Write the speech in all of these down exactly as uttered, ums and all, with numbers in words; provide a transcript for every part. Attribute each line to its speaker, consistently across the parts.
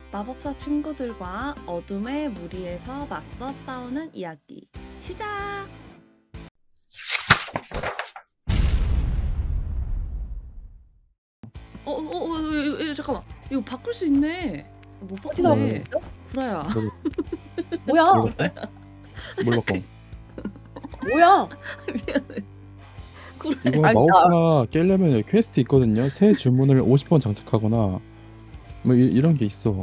Speaker 1: 마법사 친구들과 어둠의 무리에서 맞서 싸우는 이야기 시작! 어, 어, 어, 어, 어, 어, 잠깐만. 이거 바꿀 수 있네. 못
Speaker 2: 어디서
Speaker 1: 바꾸네.
Speaker 2: 바꿨어?
Speaker 1: 구라야.
Speaker 2: 뭐야?
Speaker 3: 뭘 바꿔?
Speaker 2: 뭐야?
Speaker 1: 미안해. 구라야.
Speaker 3: 이거
Speaker 2: 아니,
Speaker 3: 마법사 깨려면 퀘스트 있거든요. 새 주문을 오십 번 장착하거나 뭐 이, 이런 게 있어.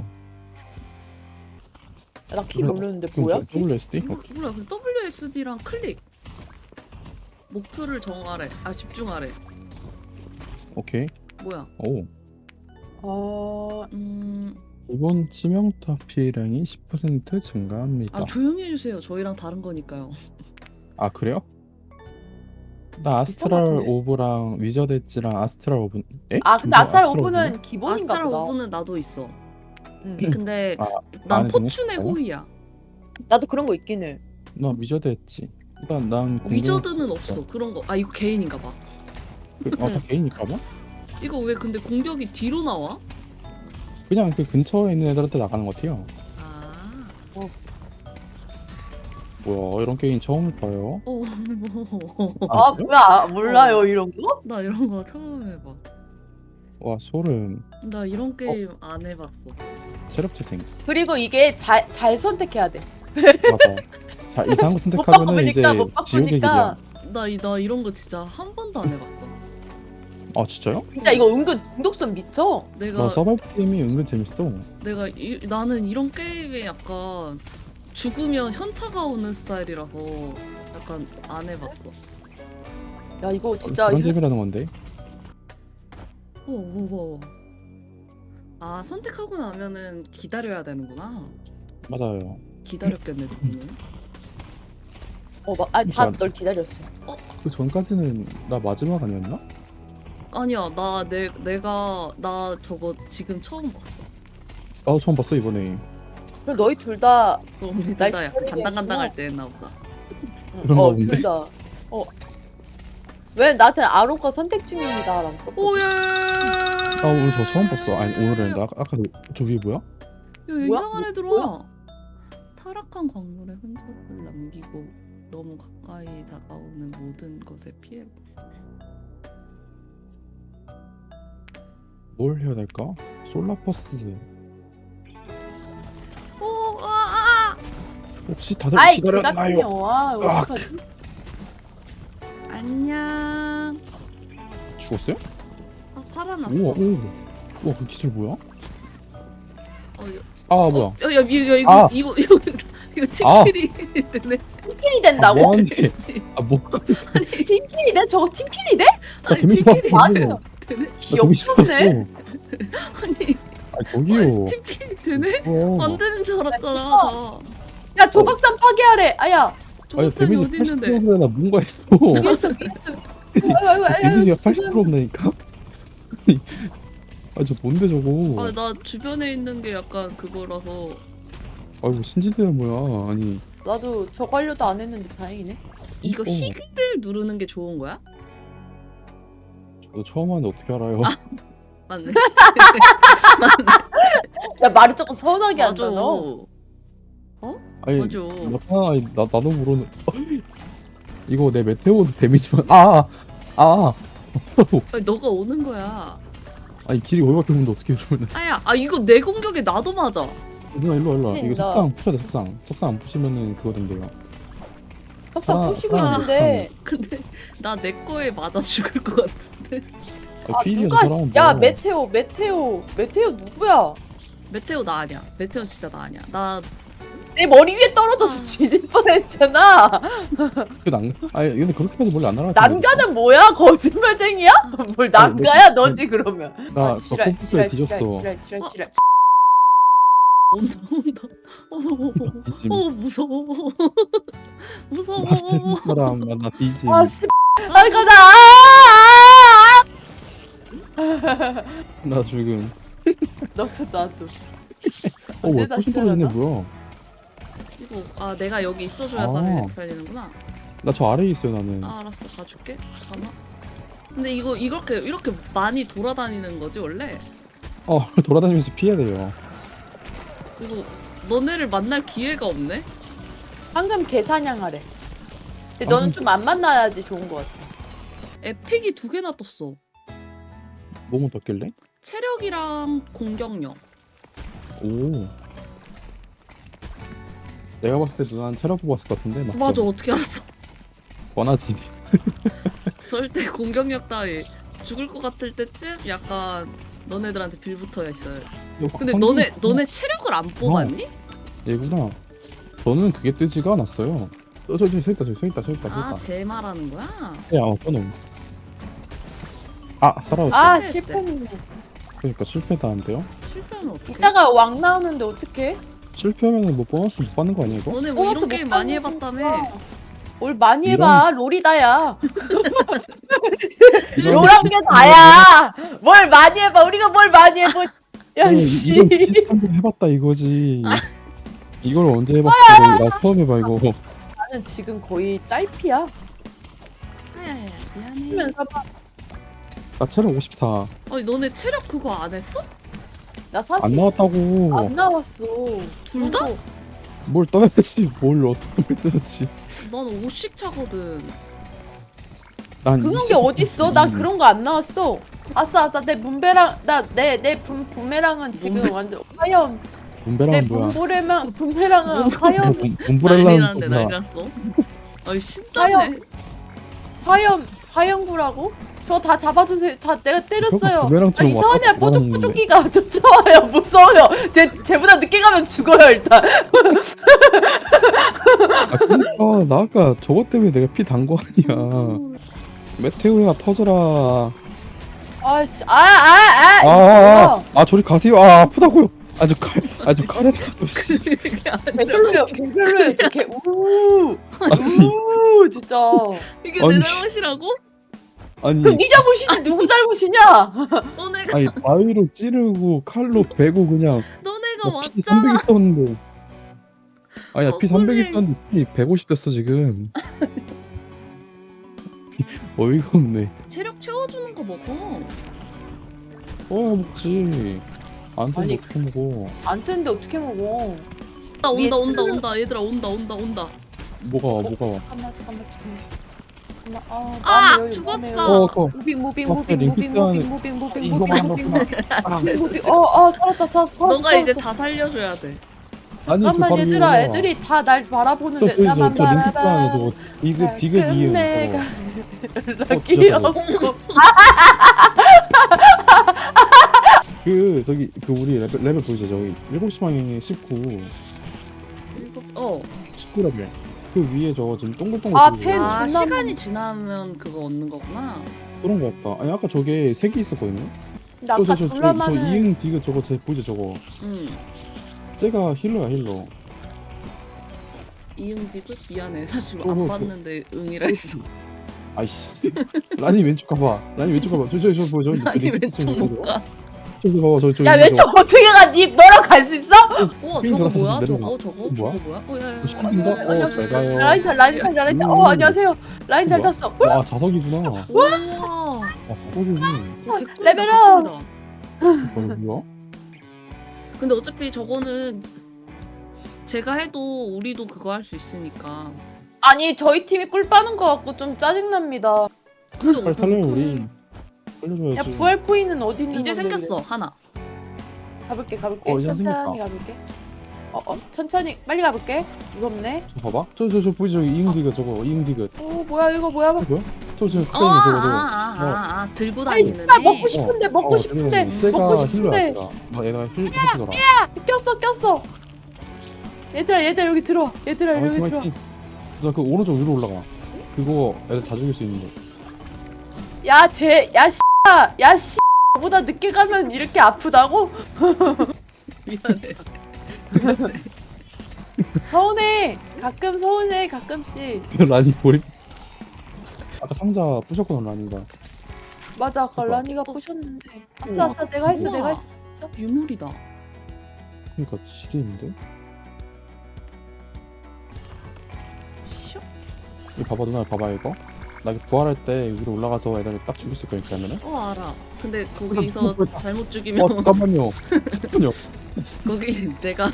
Speaker 2: 나 키 모르는데 뭐야? 키?
Speaker 3: 더블유 에스 디?
Speaker 1: 몰라, 몰라. 그 더블유 에스 디랑 클릭. 목표를 정하래. 아, 집중하래.
Speaker 3: 오케이.
Speaker 1: 뭐야?
Speaker 3: 오.
Speaker 2: 아,
Speaker 1: 음,
Speaker 3: 이번 치명타 피해량이 십 퍼센트 증가합니다.
Speaker 1: 아 조용히 해주세요. 저희랑 다른 거니까요.
Speaker 3: 아 그래요? 나
Speaker 2: 비슷한 것
Speaker 3: 아스트랄
Speaker 2: 같은데?
Speaker 3: 오브랑 위저드 엣지랑 아스트랄 오브. 에?
Speaker 2: 아 근데
Speaker 3: 이거
Speaker 2: 아스트랄
Speaker 3: 오브네?
Speaker 2: 오브는 기본인가
Speaker 1: 아스트랄
Speaker 2: 보다.
Speaker 1: 오브는 나도 있어.
Speaker 2: 응.
Speaker 1: 근데
Speaker 3: 아,
Speaker 1: 난
Speaker 3: 안에 등에
Speaker 1: 포춘의
Speaker 3: 있어요?
Speaker 1: 호의야.
Speaker 2: 나도 그런 거 있긴 해.
Speaker 3: 나 위저드 엣지. 일단 난 궁금-
Speaker 1: 위저드는 없어. 그런 거. 아 이거 개인인가 봐.
Speaker 3: 그, 아, 다 개인일까봐?
Speaker 1: 이거 왜 근데 공격이 뒤로 나와?
Speaker 3: 그냥 그 근처에 있는 애들한테 나가는 것 같아요.
Speaker 1: 아.
Speaker 3: 뭐야 이런 게임 처음 봐요.
Speaker 1: 어, 뭐.
Speaker 2: 아,
Speaker 3: 아, 진짜요?
Speaker 2: 뭐야? 몰라요
Speaker 1: 어.
Speaker 2: 이런 거?
Speaker 1: 나 이런 거 처음 해봐.
Speaker 3: 와 소름.
Speaker 1: 나 이런 게임 안 해봤어.
Speaker 3: 체력 재생.
Speaker 2: 그리고 이게 잘 잘 선택해야 돼.
Speaker 3: 맞아. 자 이상한 거
Speaker 2: 못
Speaker 3: 선택하면은 이제
Speaker 2: 바꾸니까 못
Speaker 3: 지옥의 길이야.
Speaker 2: 바꾸니까
Speaker 1: 나, 이- 나 이런 거 진짜 한 번도 안 해봤어.
Speaker 3: 아 진짜요?
Speaker 2: 진짜 이거 은근 중독성 미쳐.
Speaker 1: 내가
Speaker 3: 나 서바이벌 게임이 은근 재밌어.
Speaker 1: 내가 이, 나는 이런 게임에 약간 죽으면 현타가 오는 스타일이라서 약간 안 해봤어.
Speaker 2: 야 이거 진짜
Speaker 3: 그런
Speaker 2: 휴-
Speaker 3: 재미라는 건데.
Speaker 1: 오, 뭐, 뭐. 아 선택하고 나면은 기다려야 되는구나.
Speaker 3: 맞아요.
Speaker 1: 기다렸겠네 저는.
Speaker 2: 어, 막, 아니 다
Speaker 3: 그러니까-
Speaker 2: 널 기다렸어.
Speaker 3: 그 전까지는 나 마지막 아니었나?
Speaker 1: 아니야 나 내 내가 나 저거 지금 처음 봤어.
Speaker 3: 나도 처음 봤어 이번에.
Speaker 2: 그럼 너희 둘 다
Speaker 1: 너 우리
Speaker 2: 날
Speaker 1: 둘다 약간
Speaker 2: 기다리게
Speaker 1: 간당간당할 때 했나 보다.
Speaker 3: 그런가
Speaker 2: 어,
Speaker 3: 본데?
Speaker 2: 둘 다. 어. 왜 나한테 아로가 선택 중입니다라고 썼거든.
Speaker 1: 오예.
Speaker 3: 아 오늘 저 처음 봤어. 아니 오늘은 나 아까 그- 저 위에 뭐야?
Speaker 1: 야
Speaker 2: 뭐야?
Speaker 1: 이상한 애
Speaker 2: 뭐-
Speaker 1: 들어와. 타락한 광물의 흔적을 남기고 너무 가까이 다가오는 모든 것에 피해.
Speaker 3: 뭘 해야 될까? 솔라퍼스.
Speaker 1: 오, 아, 아.
Speaker 3: 혹시 다들
Speaker 2: 아이 개 같은
Speaker 3: 기다렸나요?
Speaker 2: 영화
Speaker 3: 으악.
Speaker 2: 어떡하지?
Speaker 1: 안녕.
Speaker 3: 죽었어요?
Speaker 1: 아, 살아났어.
Speaker 3: 우와 오. 우와 그 기술 뭐야?
Speaker 1: 어, 야,
Speaker 3: 아 뭐야?
Speaker 1: 어, 야, 야, 이거, 이거,
Speaker 3: 아.
Speaker 1: 이거, 이거, 이거
Speaker 3: 아.
Speaker 1: 팀킬이 되네.
Speaker 2: 팀킬이
Speaker 3: 아
Speaker 2: 된다고?
Speaker 3: 뭐하는데? 아 뭐?
Speaker 2: 팀킬이 돼? 저거 팀킬이 돼?
Speaker 3: 나
Speaker 1: 아니,
Speaker 3: 데미지 봤어.
Speaker 1: 팀킬이
Speaker 2: 맞아요.
Speaker 1: 되네.
Speaker 3: 나 데미지 봤어.
Speaker 2: 귀엽네.
Speaker 1: 아니,
Speaker 3: 아 저기요.
Speaker 1: 팀킬이 되네?
Speaker 3: 우와.
Speaker 1: 안 되는 줄 알았잖아.
Speaker 2: 야 조각산 파괴하래. 아야.
Speaker 3: 아니
Speaker 1: 조각상이
Speaker 3: 데미지
Speaker 1: 어디
Speaker 3: 팔십
Speaker 1: 있는데?
Speaker 3: 퍼센트나 나 뭔가 했어.
Speaker 2: 위에서 위에서. 아이고 아이고 아이고.
Speaker 3: 데미지가 팔십 퍼센트 온다니까? 아 저 뭔데 저거?
Speaker 1: 아, 나 주변에 있는 게 약간 그거라서.
Speaker 3: 아이고 신지대야 뭐야? 아니
Speaker 2: 나도 저거 하려도 안 했는데 다행이네.
Speaker 1: 이거
Speaker 3: 어.
Speaker 1: 희귀를 누르는 게 좋은 거야?
Speaker 3: 저도 처음 하는데 어떻게 알아요?
Speaker 1: 맞네.
Speaker 2: 야 말을 조금 서운하게
Speaker 1: 맞아.
Speaker 2: 한다 너.
Speaker 3: 아니
Speaker 1: 맞아.
Speaker 3: 나, 아니, 나 나도 모르는. 이거 내 메테오 데미지만 아 아. 아.
Speaker 1: 아니, 너가 오는 거야.
Speaker 3: 아니 길이 거기밖에 없는데 어떻게 그러면?
Speaker 1: 아야, 아 이거 내 공격에 나도 맞아.
Speaker 3: 일로 와, 일로 와, 일로 와. 이거
Speaker 2: 진짜.
Speaker 3: 석상 푸셔야 돼 석상. 석상 안 푸시면은 그거 된대요.
Speaker 2: 석상
Speaker 3: 아,
Speaker 2: 푸시고
Speaker 3: 아,
Speaker 2: 있는데.
Speaker 1: 근데 나 내 거에 맞아 죽을 것 같은데.
Speaker 3: 아,
Speaker 2: 아
Speaker 3: 피일이야
Speaker 2: 누가
Speaker 3: 저 사람은
Speaker 2: 야
Speaker 3: 뭐야?
Speaker 2: 메테오 메테오 메테오 누구야?
Speaker 1: 메테오 나 아니야. 메테오 진짜 나 아니야. 나
Speaker 2: 내 머리 위에 떨어져서
Speaker 1: 아.
Speaker 2: 뒤질 뻔했잖아.
Speaker 3: 그 난. 아니 근데 그렇게 해도 원래 안 날아.
Speaker 2: 난가는 뭐야? 거짓말쟁이야? 뭘 난가야 너지 그러면?
Speaker 3: 나
Speaker 2: 아, 지랄,
Speaker 3: 덕분에
Speaker 2: 지랄,
Speaker 3: 뒤졌어.
Speaker 2: 지랄 지랄
Speaker 1: 어?
Speaker 2: 지랄.
Speaker 1: 온다 온다. 어,
Speaker 3: 뒤짐.
Speaker 1: 어 무서워. 무서워.
Speaker 3: 나 스트레스 사람 나 뒤짐.
Speaker 2: 아 씨. 아 가자. 아,
Speaker 3: 나 지금.
Speaker 2: 너도 나도.
Speaker 3: 어 뭐야
Speaker 2: 언제
Speaker 3: 포션
Speaker 2: 다시
Speaker 3: 떨어지네
Speaker 2: 하나?
Speaker 3: 뭐야?
Speaker 1: 이거 아 내가 여기 있어줘야
Speaker 3: 아.
Speaker 1: 살리, 살리는구나.
Speaker 3: 나 저 아래에 있어요 나는.
Speaker 1: 아 알았어 가줄게. 잠깐만. 근데 이거 이렇게 이렇게 많이 돌아다니는 거지 원래?
Speaker 3: 어 돌아다니면서 피해야 돼요.
Speaker 1: 이거 너네를 만날 기회가 없네?
Speaker 2: 방금 개사냥하래. 근데
Speaker 3: 방금-
Speaker 2: 너는 좀 안 만나야지 좋은 것 같아.
Speaker 1: 에픽이 두 개나 떴어.
Speaker 3: 뭐뭐 떴길래?
Speaker 1: 체력이랑 공격력.
Speaker 3: 오. 내가 봤을 때 누나는 체력 보고 왔을 것 같은데 맞죠?
Speaker 1: 맞아, 어떻게 알았어?
Speaker 3: 뻔하지.
Speaker 1: 절대 공격력 따위 죽을 것 같을 때쯤 약간 너네들한테 빌붙어 있어요. 근데
Speaker 3: 황금-
Speaker 1: 너네 너네 체력을 안 뽑았니?
Speaker 3: 얘구나. 저는 그게 뜨지가 않았어요. 어, 저기 서 있다, 저기 서 있다, 서 있다, 서
Speaker 1: 아,
Speaker 3: 있다.
Speaker 1: 제 말하는 거야?
Speaker 3: 야, 어, 저놈. 아, 살아왔어.
Speaker 2: 아
Speaker 1: 실패했대.
Speaker 2: 실패했네.
Speaker 3: 그러니까 실패다는데요?
Speaker 1: 실패하면 어떡해?
Speaker 2: 이따가 왕 나오는데 어떡해?
Speaker 3: 실패하면 뭐 보너스 못 받는 거 아니야 이거?
Speaker 1: 너네 뭐
Speaker 2: 보너스
Speaker 1: 이런
Speaker 2: 못
Speaker 1: 게임 많이
Speaker 2: 받는
Speaker 1: 해봤다며?
Speaker 2: 거야. 뭘 많이 해봐. 롤이다야.
Speaker 3: 이런-
Speaker 2: 롤한 게 다야. 뭘 많이 해봐. 우리가 뭘 많이 해보. 야
Speaker 3: 어,
Speaker 2: 씨.
Speaker 3: 이건 비슷한 거 해봤다 이거지. 이걸 언제 해봤어? 나 처음 해봐 이거.
Speaker 2: 나는 지금 거의 딸피야.
Speaker 1: 야야야 미안해.
Speaker 2: 하면서 봐.
Speaker 3: 나 체력 오십사.
Speaker 1: 아니 너네 체력 그거 안 했어?
Speaker 2: 나
Speaker 3: 안
Speaker 2: 사실
Speaker 3: 나왔다고.
Speaker 2: 안 나왔어.
Speaker 1: 둘 다?
Speaker 2: 그리고
Speaker 3: 뭘 떠야지. 뭘 어떻게 뜨는지.
Speaker 1: 난 오씩 차거든.
Speaker 3: 난
Speaker 2: 그런
Speaker 3: 이십-
Speaker 2: 게 어딨어? 난
Speaker 3: 음.
Speaker 2: 그런 거 안 나왔어. 아싸 아싸 내 문배랑 나내내 부메랑은 지금
Speaker 1: 문배?
Speaker 2: 완전 화염. 내
Speaker 3: 문배랑 뭐야?
Speaker 2: 분보레랑 분배랑은 화염
Speaker 3: 본-
Speaker 1: 난리
Speaker 3: 본부렐라는
Speaker 1: 났는데
Speaker 3: 뭐야?
Speaker 1: 난리 났어. 아니 신다네.
Speaker 2: 화염 화염 화염구라고? 저 다 잡아주세요. 다 내가 때렸어요. 아,
Speaker 3: 부메랑처럼
Speaker 2: 이상하냐
Speaker 3: 왔다 갔다 하는데.
Speaker 2: 뽀족뽀족기가 쫓아와요. 무서워요. 쟤 쟤보다 늦게 가면 죽어요 일단.
Speaker 3: 아 그러니까 나 아까 저것 때문에 내가 피 단 거 아니야. 메테오리가 터져라.
Speaker 2: 아씨 아아아
Speaker 3: 아, 아, 아, 아 저리 가세요. 아 아프다고요. 아주 칼, 아주 칼에 들어서 씨.
Speaker 1: 이게 아니라
Speaker 2: 개별로요 개별로요. 저개 우우
Speaker 3: 아니,
Speaker 2: 우 진짜.
Speaker 1: 이게
Speaker 3: 아니.
Speaker 1: 내 잘못이라고?
Speaker 3: 아니,
Speaker 2: 그럼 네 잘못이지 누구 잘못이냐?
Speaker 1: 너네가
Speaker 3: 아니 바위로 찌르고 칼로 베고 그냥
Speaker 1: 너네가
Speaker 3: 뭐 피
Speaker 1: 왔잖아.
Speaker 3: 삼백 있었는데. 아니야 피 삼백
Speaker 1: 억울해.
Speaker 3: 있었는데 피 백오십 됐어 지금. 어이가 없네.
Speaker 1: 체력 채워주는 거 먹어.
Speaker 3: 어 먹지. 안 되면
Speaker 2: 아니,
Speaker 3: 어떻게 먹어?
Speaker 2: 안 뜨는데 어떻게 먹어?
Speaker 1: 온다
Speaker 2: 위에
Speaker 1: 온다 온다
Speaker 2: 찔러.
Speaker 1: 온다 얘들아 온다 온다 온다.
Speaker 3: 뭐가 와, 뭐가 와?
Speaker 2: 잠깐만 잠깐만 잠깐만. 아,
Speaker 1: 아,
Speaker 2: 마음의 여유,
Speaker 1: 죽었다.
Speaker 2: 마음의 여유.
Speaker 3: 어 그거.
Speaker 2: 무빙 무빙
Speaker 3: 앞에
Speaker 2: 무빙
Speaker 3: 링크
Speaker 2: 무빙
Speaker 3: 떠는-
Speaker 2: 무빙 무빙 무빙
Speaker 3: 이거만
Speaker 2: 무빙 무빙
Speaker 3: 넣었구나.
Speaker 2: 무빙 무빙 어어 살았다 살 살았어.
Speaker 1: 너가 이제
Speaker 2: 살았어.
Speaker 1: 다 살려줘야 돼.
Speaker 3: 아니 그
Speaker 2: 잠깐만
Speaker 3: 바로
Speaker 2: 얘들아
Speaker 3: 위에
Speaker 2: 애들이 다 날
Speaker 3: 저
Speaker 2: 바라보는데
Speaker 3: 저기 저저 링크
Speaker 2: 나만
Speaker 3: 떠는 저거 이거 디귿 이음
Speaker 2: 내가
Speaker 3: 저거.
Speaker 2: 연락이
Speaker 3: 저거.
Speaker 2: 없고
Speaker 3: 그 저기 그 우리 레벨, 레벨 보이죠 저기 일곱 시 방향에 십구
Speaker 1: 일곱- 어.
Speaker 3: 십구 레벨 그 위에 저거 지금 동글동글
Speaker 2: 아,
Speaker 3: 보이죠?
Speaker 2: 펜.
Speaker 1: 아
Speaker 2: 존나
Speaker 1: 시간이 지나면 그거 얻는 거구나.
Speaker 3: 그런 거 같다. 아니 아까 저게 세 개 있었거든요.
Speaker 2: 나 아까
Speaker 3: 저저저 저, 저,
Speaker 2: 졸라
Speaker 3: 저
Speaker 2: 많은
Speaker 3: 이응 디귿 저거 제 보이죠 저거.
Speaker 1: 응.
Speaker 3: 쟤가 힐러야 힐러.
Speaker 1: 이응 디귿 미안해. 사실
Speaker 3: 어,
Speaker 1: 안
Speaker 3: 어,
Speaker 1: 봤는데 응이라 했어.
Speaker 3: 아이씨. 라니 왼쪽 가봐. 라니 왼쪽 가봐. 저저저 보여 저.
Speaker 1: 아니 왼쪽 못 가.
Speaker 3: 저기 봐봐 저 저.
Speaker 2: 야 왼쪽 어떻게 가? 니 너랑 갈 수 있어?
Speaker 1: 우와
Speaker 3: 핑
Speaker 1: 저거
Speaker 3: 돌아서
Speaker 1: 뭐야?
Speaker 3: 내려가.
Speaker 1: 저거 저거
Speaker 3: 뭐야?
Speaker 1: 저거 뭐야? 어 야야.
Speaker 3: 신기인가? 어, 잘 가요.
Speaker 2: 라인 잘 라인 잘 라인 잘. 어
Speaker 3: 음.
Speaker 2: 안녕하세요. 라인 잘
Speaker 3: 뭐야?
Speaker 2: 탔어.
Speaker 3: 와 자석이구나.
Speaker 1: 우와.
Speaker 3: 아 꼬리지.
Speaker 2: 레벨업!
Speaker 3: 이거 뭐야?
Speaker 1: 근데 어차피 저거는 제가 해도 우리도 그거 할 수 있으니까.
Speaker 2: 아니 저희 팀이 꿀 빠는 거 같고 좀 짜증납니다.
Speaker 3: 빨리 살려 우리.
Speaker 2: 야
Speaker 3: 살려줘야지.
Speaker 2: 부활 코인은 어디 있는
Speaker 1: 이제
Speaker 2: 건데,
Speaker 1: 생겼어 하나.
Speaker 2: 가볼게 가볼게
Speaker 3: 어, 이제
Speaker 2: 천천히 가볼게. 어, 어 천천히 빨리 가볼게. 무섭네.
Speaker 3: 저 봐봐. 저 저 저 보이지 저기 이응 디귿 저거 이응 디귿.
Speaker 2: 어 뭐야 이거 뭐야?
Speaker 3: 뭐야? 저저 가까이
Speaker 1: 어,
Speaker 3: 있는
Speaker 1: 아,
Speaker 3: 저거 저거.
Speaker 1: 아, 아, 아, 들고
Speaker 2: 아이
Speaker 1: 다니는
Speaker 2: 씨발 먹고
Speaker 1: 애.
Speaker 2: 싶은데 먹고
Speaker 3: 어,
Speaker 2: 싶은데
Speaker 3: 저기 쟤가
Speaker 2: 먹고
Speaker 3: 힐러야
Speaker 2: 싶은데
Speaker 3: 얘가. 뭐 얘가 힐 해주더라.
Speaker 2: 꼈어 꼈어. 얘들아 얘들아 여기 들어와. 얘들아 여기
Speaker 3: 화이팅
Speaker 2: 들어와.
Speaker 3: 화이팅. 나그 오른쪽 위로 올라가. 그거 애들 다 죽일 수 있는데.
Speaker 2: 야쟤야 씨야 야 씨. 보다 늦게 가면 이렇게 아프다고?
Speaker 1: 미안해.
Speaker 2: 서운해. 가끔 서운해 가끔씩.
Speaker 3: 라니 보리. 아까 상자 부셨구나 라니가.
Speaker 2: 맞아 아까
Speaker 3: 봐봐.
Speaker 2: 라니가 부셨는데. 아싸 아싸 내가 했어
Speaker 1: 우와.
Speaker 2: 내가 했어.
Speaker 1: 유물이다.
Speaker 3: 그러니까 지게 있는데.
Speaker 1: 슉.
Speaker 3: 이거 봐봐 누나 봐봐 이거. 나 이거 부활할 때 위로 올라가서 애들 딱 죽일 수 있거든 그러면은.
Speaker 1: 어 알아. 근데 거기서
Speaker 3: 뭐야?
Speaker 1: 잘못
Speaker 3: 어
Speaker 1: 죽이면
Speaker 3: 잠깐만요. 잠깐만요.
Speaker 1: 거기 내가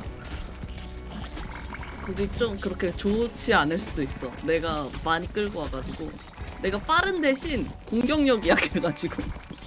Speaker 1: 거기 좀 그렇게 좋지 않을 수도 있어. 내가 많이 끌고 와가지고 내가 빠른 대신 공격력이 약해가지고.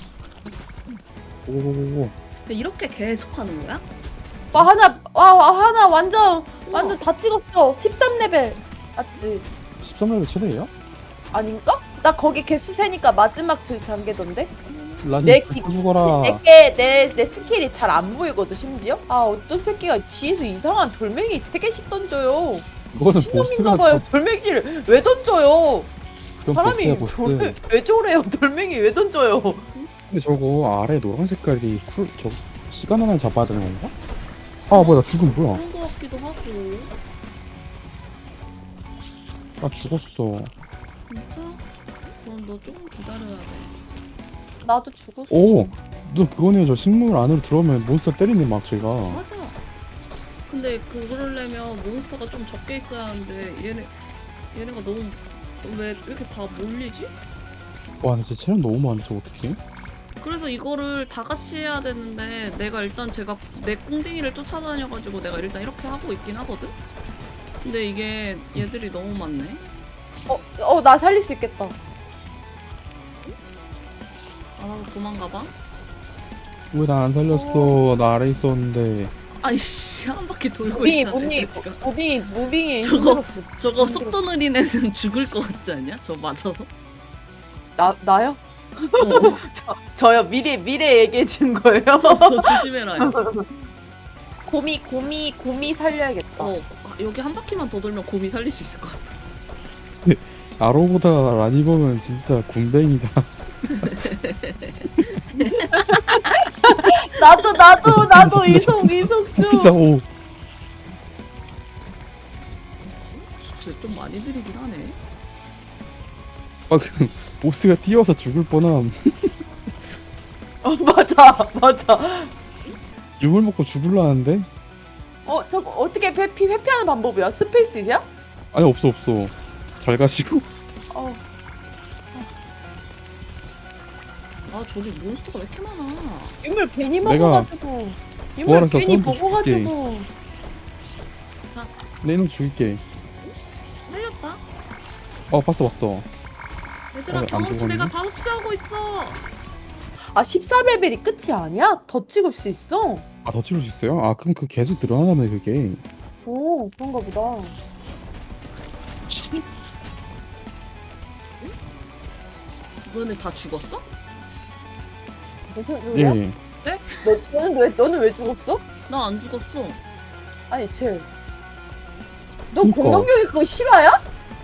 Speaker 3: 오오오오.
Speaker 1: 근데 이렇게 계속 하는 거야?
Speaker 2: 와 하나 와, 와 하나 완전
Speaker 1: 우와.
Speaker 2: 완전 다 찍었어. 십삼 레벨 맞지?
Speaker 3: 십삼 레벨 최대예요?
Speaker 2: 아닌가? 나 거기 개수 세니까 마지막 그 단계던데?
Speaker 3: 라니
Speaker 2: 내
Speaker 3: 내
Speaker 2: 기-
Speaker 3: 죽어라.
Speaker 2: 내게 내, 내 스킬이 잘 안 보이거든 심지어? 아 어떤 새끼가 뒤에서 이상한 돌멩이 세 개씩 던져요.
Speaker 3: 이거는
Speaker 2: 신놈인가
Speaker 3: 보스가
Speaker 2: 봐요. 돌멩이를 왜 던져요?
Speaker 3: 그건
Speaker 2: 사람이
Speaker 3: 보스야 보스.
Speaker 2: 돌, 왜 저래요? 돌멩이 왜 던져요?
Speaker 3: 근데 저거 아래 노란 색깔이 쿨 저 시간 하나 잡아야 되는 건가? 아 뭐야 나 죽음 뭐야?
Speaker 1: 그런 거 같기도 하고.
Speaker 3: 나 죽었어.
Speaker 1: 진짜? 그럼 너 조금 기다려야 돼.
Speaker 2: 나도 죽었어.
Speaker 3: 오, 너 그거네요. 저 식물 안으로 들어오면 몬스터 때리네 막 제가.
Speaker 1: 맞아. 근데 그러려면 몬스터가 좀 적게 있어야 하는데 얘네 얘네가 너무 왜 이렇게 다 몰리지?
Speaker 3: 와, 나 진짜 체력 너무 많아. 저 어떡해?
Speaker 1: 그래서 이거를 다 같이 해야 되는데 내가 일단 제가 내 꿍딩이를 쫓아다녀가지고 내가 일단 이렇게 하고 있긴 하거든? 근데 이게 얘들이 너무 많네.
Speaker 2: 어, 어, 나 살릴 수 있겠다.
Speaker 1: 아 도망가봐.
Speaker 3: 왜 나 안 살렸어? 나 아래 있었는데.
Speaker 1: 아이씨 한 바퀴 돌고
Speaker 2: 무빙이,
Speaker 1: 있잖아.
Speaker 2: 무빙이,
Speaker 1: 지금.
Speaker 2: 무빙이, 무빙이
Speaker 1: 저거-
Speaker 2: 힘들었어.
Speaker 1: 저거
Speaker 2: 힘들어.
Speaker 1: 속도 느린 애는 죽을 것 같지 않냐? 저 맞아서?
Speaker 2: 나, 나요?
Speaker 1: 어,
Speaker 2: 저, 저요. 미리, 미래 얘기해 준 거예요.
Speaker 1: 너 조심해라. 야.
Speaker 2: 곰이, 곰이, 곰이 살려야겠다.
Speaker 1: 어, 여기 한 바퀴만 더 돌면 곰이 살릴 수 있을 것 같아.
Speaker 3: 아로보다 라니 보면 진짜 군뱅이다.
Speaker 2: 나도, 나도,
Speaker 3: 잠깐만,
Speaker 2: 나도
Speaker 3: 잠깐만,
Speaker 2: 이속, 이속 좀.
Speaker 3: 나 오.
Speaker 1: 진짜 좀 많이 느리긴 하네.
Speaker 3: 아, 그 보스가 뛰어서 죽을 뻔함.
Speaker 2: 어, 맞아, 맞아.
Speaker 3: 육을 먹고 죽을라는데?
Speaker 2: 어, 저거 어떻게 회피, 회피하는 방법이야? 스페이스야?
Speaker 3: 아니 없어 없어. 잘 가시고.
Speaker 2: 어,
Speaker 1: 아 저기 몬스터가 왜 이렇게 많아?
Speaker 2: 유물 괜히
Speaker 3: 내가
Speaker 2: 먹어가지고. 유물
Speaker 3: 부활해서
Speaker 2: 괜히
Speaker 3: 또 줄게.
Speaker 2: 먹어가지고.
Speaker 3: 내 이놈 죽일게.
Speaker 1: 살렸다.
Speaker 3: 어 봤어 봤어.
Speaker 1: 얘들아
Speaker 3: 어, 안
Speaker 1: 경험치
Speaker 3: 죽었네?
Speaker 1: 내가 다 흡수하고 있어.
Speaker 2: 아, 십사 레벨이 끝이 아니야? 더 찍을 수 있어?
Speaker 3: 아 더 치울 수 있어요? 아 그럼 그 계속 늘어나네 그게.
Speaker 2: 오, 그런가 보다.
Speaker 1: 너네 다 죽었어?
Speaker 2: 무슨 소리야?
Speaker 3: 예.
Speaker 2: 너, 너는 왜, 너는 왜 죽었어?
Speaker 1: 나 안 죽었어.
Speaker 2: 아니, 쟤. 너
Speaker 3: 그니까.
Speaker 2: 공격력이 그거 실화야?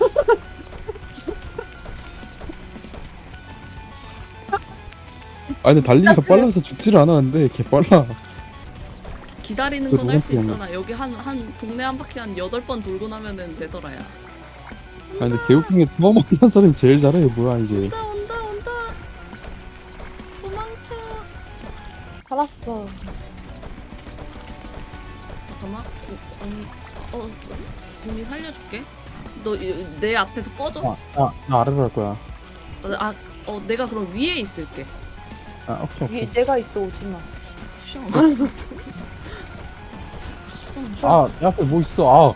Speaker 3: 아 근데 달리기가
Speaker 2: 그래.
Speaker 3: 빨라서 죽지를 않았는데 개 빨라.
Speaker 1: 기다리는
Speaker 3: 그
Speaker 1: 건 할 수
Speaker 3: 누가
Speaker 1: 있잖아. 여기 한 한 동네 한 바퀴 한 여덟 번 돌고 나면은 되더라야.
Speaker 3: 아 근데 개웃긴 게 처음 만난 사람이 제일 잘해. 뭐야 이게.
Speaker 1: 온다 온다 온다. 도망쳐.
Speaker 2: 살았어.
Speaker 1: 잠깐만. 어, 언니, 어, 언니 살려줄게. 너 내 앞에서 꺼져. 어,
Speaker 3: 아, 나 아래로 갈 거야.
Speaker 1: 아, 어, 내가 그럼 위에 있을게.
Speaker 3: 아 오케이
Speaker 2: 위에
Speaker 3: 오케이.
Speaker 2: 내가 있어, 오지마.
Speaker 1: 쉬어.
Speaker 3: 아, 내 앞에 뭐 있어? 아,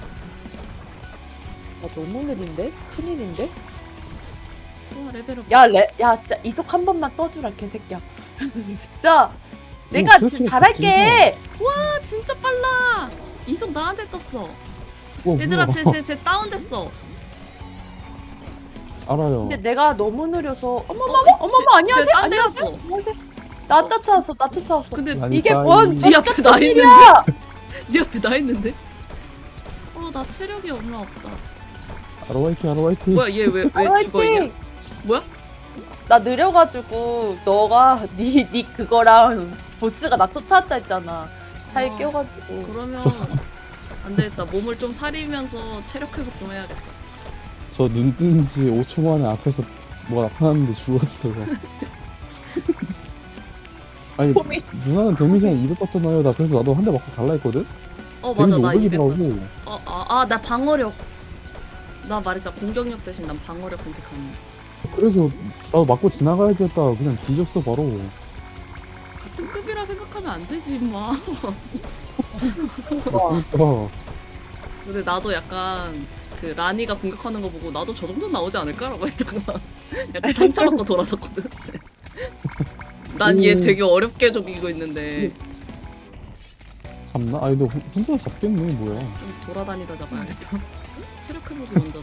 Speaker 2: 나 너무 느린데? 큰일인데?
Speaker 1: 와 레벨업.
Speaker 2: 야, 레, 야, 진짜 이속 한 번만 떠주라, 개새끼야. 진짜. 내가
Speaker 3: 오,
Speaker 2: 진짜
Speaker 3: 그렇지,
Speaker 2: 잘할게.
Speaker 1: 와 진짜 빨라. 이속 나한테 떴어.
Speaker 3: 어,
Speaker 1: 얘들아
Speaker 3: 뭐야.
Speaker 1: 쟤쟤쟤 다운됐어.
Speaker 3: 알아요.
Speaker 2: 근데 내가 너무 느려서 어머머머,
Speaker 1: 어,
Speaker 2: 어머머, 안녕하세요,
Speaker 1: 쟤 딴데
Speaker 2: 안녕하세요,
Speaker 1: 갔어.
Speaker 2: 안녕하세요. 나 쫓아왔어, 나 쫓아왔어.
Speaker 1: 근데
Speaker 3: 아니,
Speaker 2: 이게
Speaker 3: 빠이.
Speaker 2: 뭔
Speaker 1: 네 앞에 나 있는데?
Speaker 2: 일이야?
Speaker 1: 네 앞에 나 있는데? 어 나 체력이 얼마 없다.
Speaker 3: 아로 화이팅, 아로 화이팅.
Speaker 1: 뭐야 얘 왜 왜 죽어 있냐? 뭐야?
Speaker 2: 나 느려가지고 너가 니, 니 그거랑 보스가 나 쫓아왔다 했잖아. 차에
Speaker 1: 어.
Speaker 2: 껴가지고.
Speaker 1: 그러면 안 되겠다. 몸을 좀 사리면서 체력 회복 좀 해야겠다.
Speaker 3: 저 눈 뜬 지 오 초 만에 앞에서 뭐가 나타났는데 죽었어요. 아니,
Speaker 2: 곰이.
Speaker 3: 누나는 데미지 한 이백 받잖아요. 나 그래서 나도 한 대 맞고 갈라 했거든?
Speaker 1: 어 맞아
Speaker 3: 데미지
Speaker 1: 나 이백 받.
Speaker 3: 오백이더라고.
Speaker 1: 어아나 방어력. 나 말했잖아 공격력 대신 난 방어력 선택하는.
Speaker 3: 그래서 나도 맞고 지나가야지 했다가 그냥 뒤졌어, 바로.
Speaker 1: 같은 급이라서 생각하면 안 되지 임마.
Speaker 3: 그러니까
Speaker 1: 근데 나도 약간 그 라니가 공격하는 거 보고 나도 저 정도 나오지 않을까라고 했다가 약간 상처받고 돌아섰거든. 난 얘
Speaker 3: 오.
Speaker 1: 되게 어렵게 저기고 있는데
Speaker 3: 잡나? 아니 너 혼- 혼자 잡겠네 뭐야.
Speaker 1: 좀 돌아다니다 잡아야겠다. 체력 회복이 먼저다.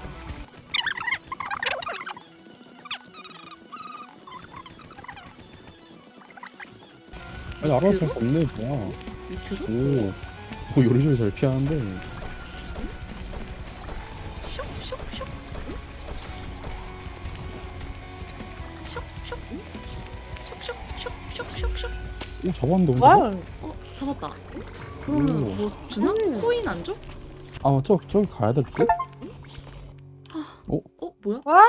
Speaker 3: 아니 알아서 잘 잡네 뭐야.
Speaker 1: 밑으로?
Speaker 3: 오, 오 요리조리 잘 피하는데.
Speaker 1: 슉슉슉 슉슉슉슉슉슉슉슉.
Speaker 3: 오 잡았는데 혼자?
Speaker 2: 와.
Speaker 1: 어 잡았다. 그러면
Speaker 3: 오.
Speaker 1: 뭐 주나?
Speaker 2: 음.
Speaker 1: 코인 안 줘?
Speaker 3: 아 저 저기 가야 될 듯?
Speaker 1: 어 뭐야?
Speaker 2: 와.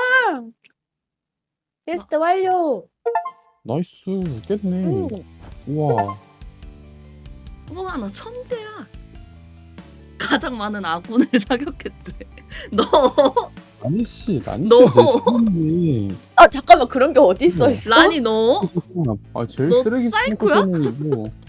Speaker 2: 퀘스트 완료.
Speaker 3: 나이스 깼네.
Speaker 2: 음.
Speaker 3: 우와.
Speaker 1: 우와 나 천재야. 가장 많은 아군을 사격했대. 너
Speaker 3: 라니 씨, 라니
Speaker 1: 너.
Speaker 3: 씨가 제일 쓰레기.
Speaker 2: 아 잠깐만 그런 게 어디 있어
Speaker 3: 음.
Speaker 2: 있어?
Speaker 1: 라니 너?
Speaker 3: 아 제일
Speaker 1: 너
Speaker 3: 쓰레기
Speaker 1: 사이코야?
Speaker 3: 스모커는 이거.